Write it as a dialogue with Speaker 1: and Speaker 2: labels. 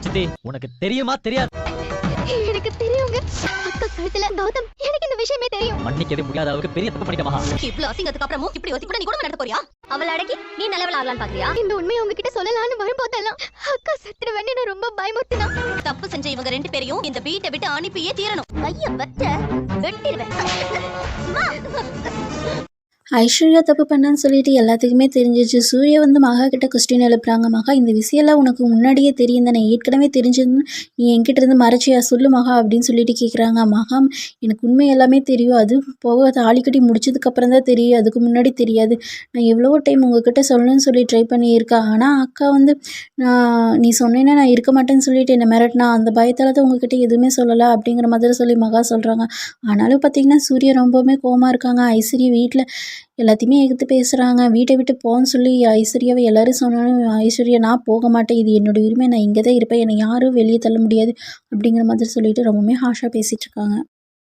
Speaker 1: சித்தி உனக்கு தெரியுமா தெரியாது?
Speaker 2: எனக்கு தெரியுங்க. அக்கா கழுத்துல கௌதம், எனக்கு இந்த விஷயமே தெரியும்.
Speaker 1: மன்னிக்கவே முடியாத அளவுக்கு பெரிய தப்பு பண்ணிட்ட மகா.
Speaker 3: இவ்ளோ அசிங்கத்துக்கு அப்புறமும் இப்படி ஒத்தி கூட நீ கூட நடத்த போறியா? அவளை அடக்கி நீ நல்லவள ஆகலாம்னு பாக்குறியா?
Speaker 2: இந்த உண்மையை உங்ககிட்ட சொல்லலாம்னு வரும்போதெல்லாம் அக்கா சத்துருவேன்னு என்ன ரொம்ப பயமுறுத்தினா.
Speaker 3: தப்பு செஞ்ச இவங்க 2 பேரையும் இந்த வீட்டை விட்டு அனுப்பியே தீரணும். கைய வச்ச வெட்டிடுவேன்.
Speaker 4: ஐஸ்வர்யா தப்பு பண்ணான்னு சொல்லிட்டு எல்லாத்துக்குமே தெரிஞ்சிச்சு. சூர்யா வந்து மகா கிட்ட கொஸ்டின் எழுப்புறாங்க. மகா இந்த விஷயம்லாம் உனக்கு முன்னாடியே தெரியும் தானே, ஏற்கனவே தெரிஞ்சதுன்னு நீ என்கிட்ட இருந்து மறைச்சியா சொல்லு மகா அப்படின்னு சொல்லிட்டு கேட்குறாங்க. மகா எனக்கு உண்மை எல்லாமே தெரியும், அது போக தாலி கட்டி முடிச்சதுக்கப்புறம் தான் தெரியும், அதுக்கு முன்னாடி தெரியாது. நான் எவ்வளவோ டைம் உங்ககிட்ட சொல்லணும்னு சொல்லி ட்ரை பண்ணியிருக்கேன். ஆனால் அக்கா வந்து நீ சொன்னேன்னா நான் இருக்க மாட்டேன்னு சொல்லிட்டு என்னை மிரட்டினா, அந்த பயத்தால் தான் உங்ககிட்ட எதுவுமே சொல்லலை அப்படிங்கிற மாதிரி சொல்லி மகா சொல்கிறாங்க. ஆனாலும் பார்த்தீங்கன்னா சூர்யா ரொம்பவுமே கோவமாக இருக்காங்க. ஐஸ்வர்யா வீட்டில் எல்லாத்தையுமே எதிர்த்து பேசுகிறாங்க. வீட்டை விட்டு போன்னு சொல்லி ஐஸ்வர்யாவை எல்லோரும் சொன்னாலும் ஐஸ்வர்யா நான் போக மாட்டேன், இது என்னோடய உரிமை, நான் இங்கே தான் இருப்பேன், என்னை யாரும் வெளியே தள்ள முடியாது அப்படிங்கிற மாதிரி சொல்லிட்டு ரொம்பவுமே ஹாஷாக பேசிகிட்டு இருக்காங்க.